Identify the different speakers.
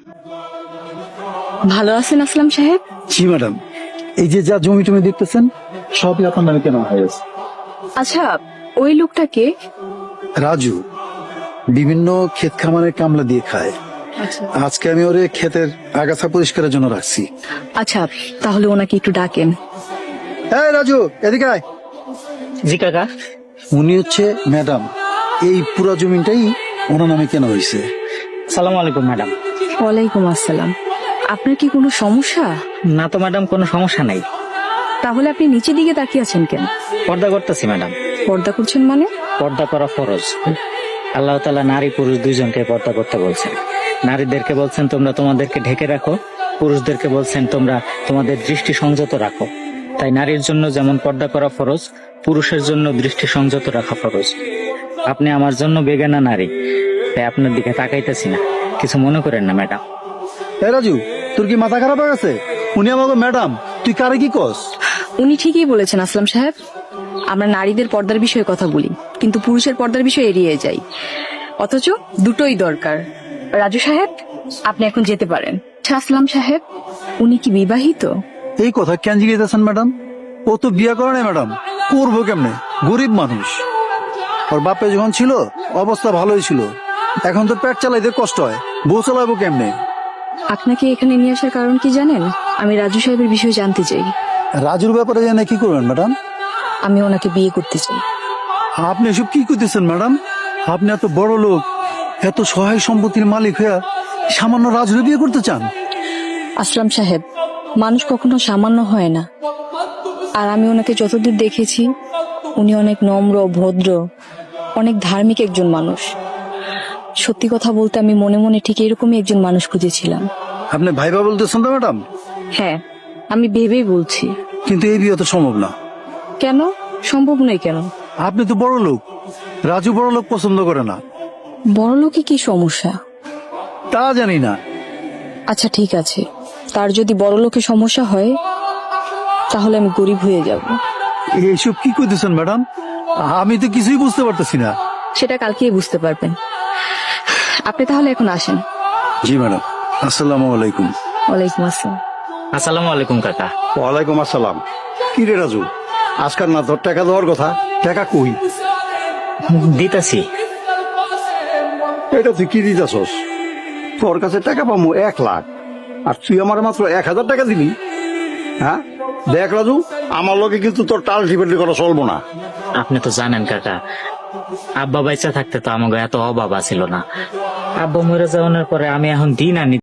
Speaker 1: ভালো আছেন আসলাম সাহেব?
Speaker 2: জি ম্যাডাম, এই যে যা জমি টমি দেখতেছেন সবই আপনার নামে কেন হয়ে গেছে।
Speaker 1: আচ্ছা, ওই লোকটাকে?
Speaker 2: রাজু বিভিন্ন ক্ষেত খামারের কামলা দিয়ে খায়। আজকে আমি ওরে ক্ষেতের আগাছা পরিষ্কারের জন্য রাখছি।
Speaker 1: আচ্ছা, তাহলে ওনাকে একটু ডাকেন।
Speaker 2: হ্যাঁ রাজু, এদিকে আয়।
Speaker 3: জি কাকা।
Speaker 2: উনি হচ্ছে ম্যাডাম, এই পুরা জমিটাই ওনার নামে কেন হয়েছে।
Speaker 3: সালাম আলাইকুম ম্যাডাম।
Speaker 1: ওয়ালাইকুম আসসালাম। আপনার কি কোনো সমস্যা?
Speaker 3: না তো ম্যাডাম, কোনো সমস্যা নাই।
Speaker 1: তাহলে আপনি নিচের দিকে তাকিয়ে আছেন কেন?
Speaker 3: পর্দা করতেছি ম্যাডাম।
Speaker 1: পর্দা করছেন মানে?
Speaker 3: পর্দা করা ফরজ। আল্লাহ তাআলা নারী পুরুষ দুইজনকে পর্দা করতে বলছেন। নারীদেরকে বলছেন তোমরা তোমাদেরকে ঢেকে রাখো, পুরুষদেরকে বলছেন তোমরা তোমাদের দৃষ্টি সংযত রাখো। তাই নারীর জন্য যেমন পর্দা করা ফরজ, পুরুষের জন্য দৃষ্টি সংযত রাখা ফরজ। আপনি আমার জন্য বেগানা নারী, তাই আপনার দিকে তাকাইতেছি না, কিছু মনে করেন না ম্যাডাম।
Speaker 2: হ্যাঁ রাজু, তোর কি মাথা খারাপ হয়ে গেছে? উনি আমাকে ম্যাডাম, তুই কারে কি কস?
Speaker 1: উনি ঠিকই বলেছেন আসলাম সাহেব। আমরা নারীদের পর্দার বিষয়ে কথা বলি, কিন্তু পুরুষের পর্দার বিষয়ে এড়িয়ে যাই। অথচ দুটোই দরকার। রাজু সাহেব, আপনি এখন যেতে পারেন। আচ্ছা আসলাম সাহেব, উনি কি বিবাহিত?
Speaker 2: এই কথা কেন জিজ্ঞেসেন ম্যাডাম? ও তো বিয়ে করে নাই ম্যাডাম, করবো কেমনে? গরিব মানুষ। ওর বাপে যখন ছিল অবস্থা ভালোই ছিল, এখন তো পেট চালাইতে কষ্ট হয়, বউ চালাবো কেমনে?
Speaker 1: আপনাকে এখানে নিয়ে আসার কারণ কি জানেন? আমি রাজু সাহেবের বিষয়ে জানতে চাই।
Speaker 2: রাজুর ব্যাপারে জানে কি করবেন ম্যাডাম?
Speaker 1: আমি ওনাকে বিয়ে করতে চাই।
Speaker 2: আপনি এসব কি করতেছেন ম্যাডাম? আপনি এত বড় লোক, এত সহায় সম্পত্তির মালিক হয়ে সামান্য রাজুর বিয়ে করতে চান?
Speaker 1: আসলাম সাহেব, মানুষ কখনো সামান্য হয় না। আর আমি ওনাকে যতদূর দেখেছি, উনি অনেক নম্র, ভদ্র, অনেক ধার্মিক একজন মানুষ। সত্যি কথা বলতে আমি মনে মনে ঠিক এরকমই একজন মানুষ খুঁজেছিলাম।
Speaker 2: আপনি ভাইবা বলতেছেন তো ম্যাডাম?
Speaker 1: হ্যাঁ, আমি ভেবেই বলছি।
Speaker 2: কিন্তু এই বিয়ে তো সম্ভব না।
Speaker 1: কেন সম্ভব নয়? কেন?
Speaker 2: আপনি তো বড় লোক, রাজু বড় লোক পছন্দ করে না।
Speaker 1: বড় লোকে কি সমস্যা?
Speaker 2: তা জানি না।
Speaker 1: আচ্ছা ঠিক আছে, তার যদি বড় লোকে সমস্যা হয়, তাহলে আমি গরিব হয়ে যাব।
Speaker 2: এইসব কি করতেছেন ম্যাডাম? আমি তো কিছুই বুঝতে পারতেছি না।
Speaker 1: সেটা কালকেই বুঝতে পারবেন। আপনি তাহলে এখন আসেন।
Speaker 2: জি ম্যাডাম, আসসালামু আলাইকুম।
Speaker 1: ওয়ালাইকুম আসসালাম।
Speaker 3: আসসালামু আলাইকুম কাকা।
Speaker 2: ওয়ালাইকুম আসসালাম। কি রে রাজু, আজকাল না তোর টাকা দেওয়ার কথা, টাকা কই?
Speaker 3: দিতেছি।
Speaker 2: এটা তুই কি দিতেছস? তোর কাছে টাকা পাবো 1,00,000, আর তুই আমার মাত্র 1,000 টাকা দিবি? হ্যাঁ দেখ রাজু, আমার লোকে কিন্তু তোর টাল টিপেটি করা চলবো না।
Speaker 3: আপনি তো জানেন কাকা, আব্বা বাইচা থাকতে তো আমাকে এত অভাব ছিল না। আব্বা মরে যাওয়ার পরে আমি এখন দিন আনি